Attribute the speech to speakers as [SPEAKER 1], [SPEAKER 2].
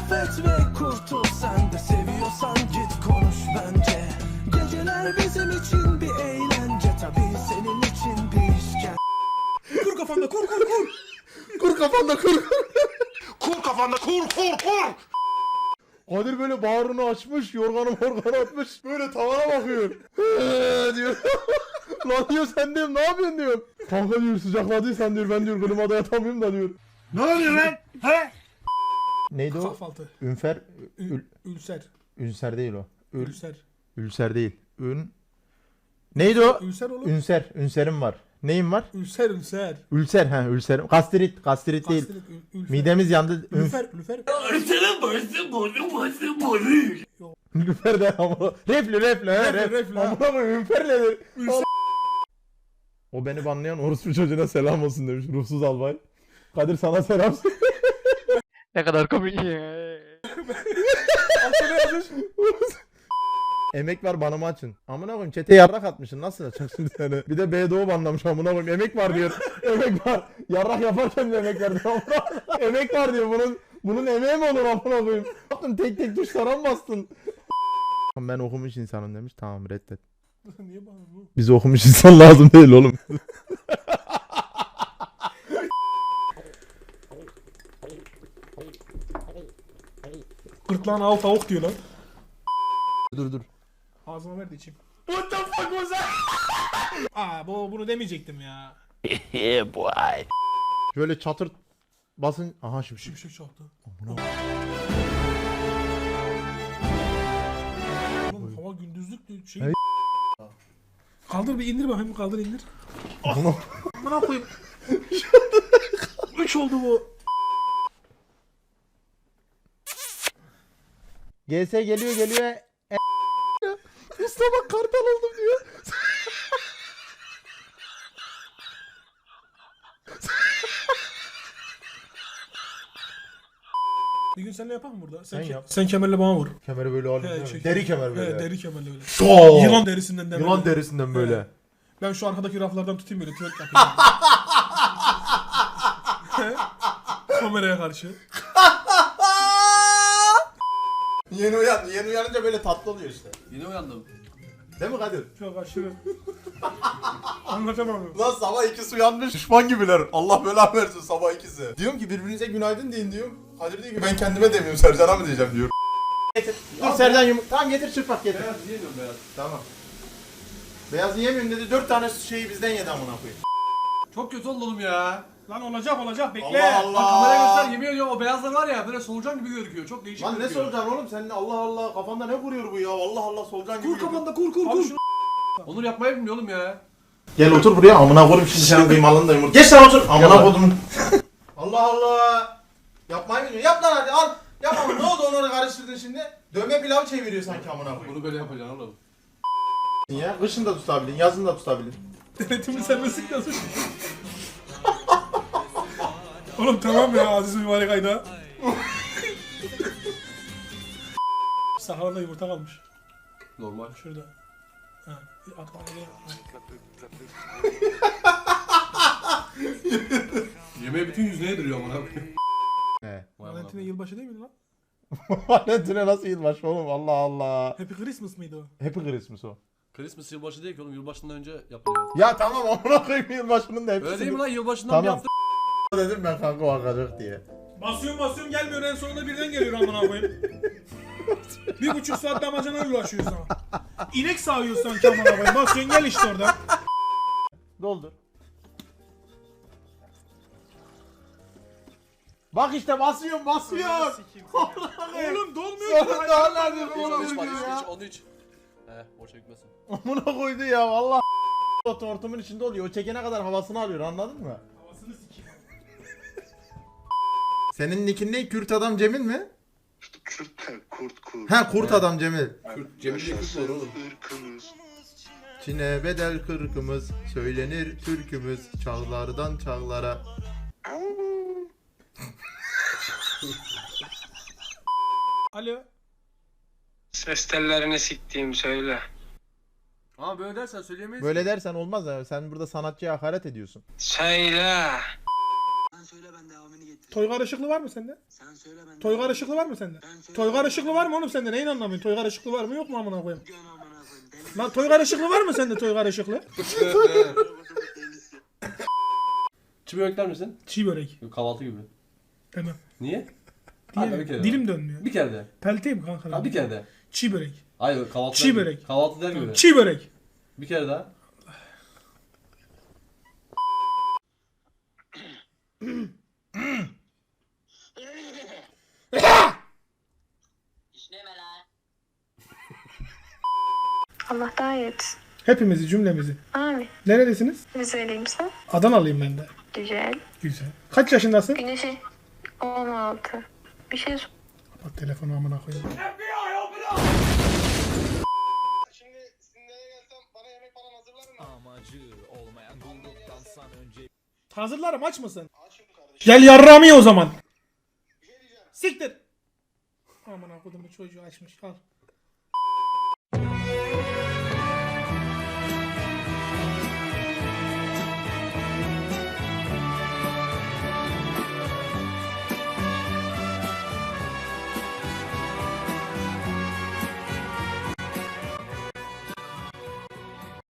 [SPEAKER 1] Affet ve kurtul, sen de seviyorsan git konuş bence. Geceler bizim için bir eğlence, tabii senin için bir işkence. Kur kafanda kur kur kur.
[SPEAKER 2] Kur kafanda kur.
[SPEAKER 3] Kur kafanda kur kur kur.
[SPEAKER 2] Kadir böyle bağrını açmış, yorganı atmış, böyle tavana bakıyor. Diyor. Lan diyor sen diyorum ne yapıyorsun diyor. Kanka diyor sıcakladıysan diyor ben diyor klimada yatamıyorum da diyor.
[SPEAKER 3] Ne oluyor lan? He?
[SPEAKER 2] Neydi o?
[SPEAKER 4] Kahvaltı.
[SPEAKER 2] Ünfer.
[SPEAKER 4] Ülser.
[SPEAKER 2] Ünser değil o.
[SPEAKER 4] Ülser.
[SPEAKER 2] Ülser değil. Neydi o?
[SPEAKER 4] Ülser oğlum.
[SPEAKER 2] Ünser. Ünserim var. Neyim var?
[SPEAKER 4] Ülser ülser.
[SPEAKER 2] Ülser ha ülserim. Gastrit. Gastrit değil.
[SPEAKER 4] Ülfer.
[SPEAKER 2] Midemiz yandı.
[SPEAKER 4] Lüfer. Lüfer.
[SPEAKER 2] Lüfer de ama. Reflü.
[SPEAKER 4] Reflü.
[SPEAKER 2] Amına koyayım ünfer nedir? O beni banlayan orospu çocuğuna selam olsun demiş ruhsuz albay. Kadir sana selam.
[SPEAKER 5] Ne kadar komik ya.
[SPEAKER 4] Altına yazmış.
[SPEAKER 2] Emek var bana mı açın? Amına koyayım çete yarrak atmışsın nasıl açacak şimdi seni? Bir de BDO banlamış amına koyayım emek var diyor. Emek var. Yarrak yaparken de emek verdi amına koyayım. Emek var diyor bunun emeği mi olur amına koyayım? Ne yaptın tek tuşlara mı bastın? Ben okumuş insanım demiş tamam reddet.
[SPEAKER 4] Niye bana bu?
[SPEAKER 2] Bize okumuş insan lazım değil oğlum.
[SPEAKER 4] Gırtlağın al tavuk diyor lan.
[SPEAKER 2] Dur.
[SPEAKER 4] Ağzıma ver de içeyim. What the fuck was that? Bunu demeyecektim ya.
[SPEAKER 2] Şöyle çatır basın. Aha şimdi.
[SPEAKER 4] Şimşek çaktı. Oğlum hava gündüzlük şey.
[SPEAKER 2] Evet.
[SPEAKER 4] Kaldır bir indir bakayım kaldır indir.
[SPEAKER 2] Bunu
[SPEAKER 4] Amına koyayım. 3 oldu bu.
[SPEAKER 2] GS geliyor. Mustafa kartal oldum diyor.
[SPEAKER 4] Bir gün seninle yapalım burada.
[SPEAKER 2] Sen yap.
[SPEAKER 4] Sen kemerle bana vur.
[SPEAKER 2] Kemeri böyle alayım.
[SPEAKER 4] He,
[SPEAKER 2] Deri kemer böyle.
[SPEAKER 4] He, deri kemerle böyle.
[SPEAKER 2] Oo!
[SPEAKER 4] Yılan derisinden de.
[SPEAKER 2] Yılan derisinden böyle.
[SPEAKER 4] He. Ben şu arkadaki raflardan tutayım böyle twerk yapayım. Kameraya karşı.
[SPEAKER 2] Yeni uyanınca böyle tatlı oluyor işte.
[SPEAKER 3] Yine uyandım.
[SPEAKER 2] Değil mi Kadir?
[SPEAKER 4] Çok aşırı. Anlatamam.
[SPEAKER 2] Lan sabah ikisi uyanmış. Düşman gibiler. Allah bela versin sabah ikisi. Diyorum ki birbirinize günaydın deyin diyorum. Kadir diyor ki ben kendime demiyorum Sercan'a mı diyeceğim diyor. Getir. Dur Sercan tamam getir çırpak getir.
[SPEAKER 3] Beyaz yiyemiyorum beyaz.
[SPEAKER 2] Tamam. Beyaz yiyemiyorum dedi 4 tane şeyi bizden yedi amına koyayım.
[SPEAKER 3] Çok kötü oldu oğlum ya.
[SPEAKER 4] Lan olacak bekle.
[SPEAKER 2] Allah Allah.
[SPEAKER 3] Bak kameraya göster yemin ediyorum o beyazlar var ya böyle solucan gibi gözüküyor. Çok değişik
[SPEAKER 2] Lan ne
[SPEAKER 3] gözüküyor.
[SPEAKER 2] solucan oğlum sen Allah Allah kafanda ne kuruyor bu ya Allah Allah solucan gibi.
[SPEAKER 4] Kur kafanda kur.
[SPEAKER 3] Abi şunu... Onur yapmayı bilmiyor oğlum ya.
[SPEAKER 2] Gel otur buraya amına koyayım şimdi senin kıymalını da yumurta. Geç sen otur amına koydum. Allah Allah. Yapmayı bilmiyor. Yap lan hadi al. Yap ama ne oldu onu karıştırdın şimdi? Dövme pilav çeviriyor sanki amına koyayım.
[SPEAKER 3] Bunu böyle yapacaksın oğlum.
[SPEAKER 2] Ya kışın da tutabilin, yazın da tutabilin.
[SPEAKER 4] Denetimi serbestlik yazmış. Oğlum tamam ya Aziz mübarek ayda. Saharada yumurta kalmış.
[SPEAKER 3] Normal.
[SPEAKER 4] Şurada. Ha, at bana gel.
[SPEAKER 3] Yemeği bütün yüzüne yediriyor amına koyayım.
[SPEAKER 2] He.
[SPEAKER 4] Valentine yılbaşı değil miydi lan?
[SPEAKER 2] Valentine nasıl yılbaşı oğlum Allah Allah.
[SPEAKER 4] Happy Christmas mıydı o?
[SPEAKER 2] Happy Christmas o.
[SPEAKER 3] Christmas yılbaşı değil ki oğlum yılbaşından önce yapılıyor.
[SPEAKER 2] Ya tamam amına koyayım yılbaşının da hepsi.
[SPEAKER 3] Öyle değil mi lan yılbaşından
[SPEAKER 2] Tamam.
[SPEAKER 3] bir hafta
[SPEAKER 2] Dedim ben kanka o akacak diye.
[SPEAKER 4] Basıyorum gelmiyor en sonunda birden geliyor amına koyayım. 1,5 saat damacana ulaşıyor sana. İnek sağıyor sanki amına koyayım. Basıyorsun gel işte orada.
[SPEAKER 2] Doldur. Bak işte basıyorum.
[SPEAKER 4] Oğlum dolmuyor ki.
[SPEAKER 2] Sonunda anladım
[SPEAKER 3] iç,
[SPEAKER 2] oğlum
[SPEAKER 3] iç,
[SPEAKER 2] ya.
[SPEAKER 3] onu iç. Boşa gitmesin.
[SPEAKER 2] Amına koydu ya valla. O tortumun içinde oluyor. O çekene kadar havasını alıyor anladın mı?
[SPEAKER 4] Havasını sikeyim.
[SPEAKER 2] Senin nickin ne? Kürt adam Cemil mi?
[SPEAKER 6] Kurt.
[SPEAKER 2] Ha kurt adam Cemil.
[SPEAKER 3] Cemil diye kız var oğlum.
[SPEAKER 6] Irkımız.
[SPEAKER 2] Çin'e bedel kırkımız, söylenir türkümüz, çağlardan çağlara.
[SPEAKER 4] Alo.
[SPEAKER 7] Ses tellerini siktiğim söyle.
[SPEAKER 3] Ama böyle dersen söyleyemeyiz.
[SPEAKER 2] Böyle dersen olmaz ya. Sen burada sanatçıya hakaret ediyorsun.
[SPEAKER 7] Söyle.
[SPEAKER 6] Sen söyle ben devamını getireceğim.
[SPEAKER 4] Toygar Işıklı var mı sende?
[SPEAKER 6] Sen söyle ben.
[SPEAKER 4] Toygar Işıklı var mı sende?
[SPEAKER 6] Ben söyle.
[SPEAKER 4] Toygar Işıklı var mı oğlum sende? Neyin anlamıyorsun? Toygar Işıklı var mı yok mu amına koyayım?
[SPEAKER 6] Gön amına koyayım. Deli
[SPEAKER 4] Lan Toygar Işıklı var mı sende Toygar Işıklı?
[SPEAKER 6] delisi.
[SPEAKER 3] Çiğ börek der misin?
[SPEAKER 4] Çiğ börek.
[SPEAKER 3] Yok, kahvaltı gibi.
[SPEAKER 4] Demem.
[SPEAKER 3] Niye? Hadi bir kere
[SPEAKER 4] Diye,
[SPEAKER 3] de.
[SPEAKER 4] dilim dönmüyor.
[SPEAKER 3] Bir kere de.
[SPEAKER 4] Pelteyim kanka.
[SPEAKER 3] Ha, bir kere de.
[SPEAKER 4] Çiğ börek.
[SPEAKER 3] Hayır, kahvaltı
[SPEAKER 4] Çiğ
[SPEAKER 3] der gibi.
[SPEAKER 4] börek.
[SPEAKER 3] Kahvaltı der gibi.
[SPEAKER 4] Çiğ börek.
[SPEAKER 3] Bir kere daha.
[SPEAKER 8] Allah daha iyi etsin.
[SPEAKER 4] Hepimizi cümlemizi.
[SPEAKER 8] Amin.
[SPEAKER 4] Neredesiniz?
[SPEAKER 8] Rizeliyim sen.
[SPEAKER 4] Adanalıyım ben de.
[SPEAKER 8] Güzel.
[SPEAKER 4] Güzel. Kaç yaşındasın?
[SPEAKER 8] Güneşi 16. Bir şey sor.
[SPEAKER 4] Bak telefonu amına koyayım.
[SPEAKER 6] Şimdi Sinir'e gelsem bana yemek falan hazırlar mı?
[SPEAKER 4] Hazırlarım aç mısın?
[SPEAKER 6] Açım kardeşim.
[SPEAKER 4] Gel yarrağımı ye o zaman.
[SPEAKER 6] Bir şey diyeceğim.
[SPEAKER 4] Siktir. Amına kodumu çocuğu açmış. Al.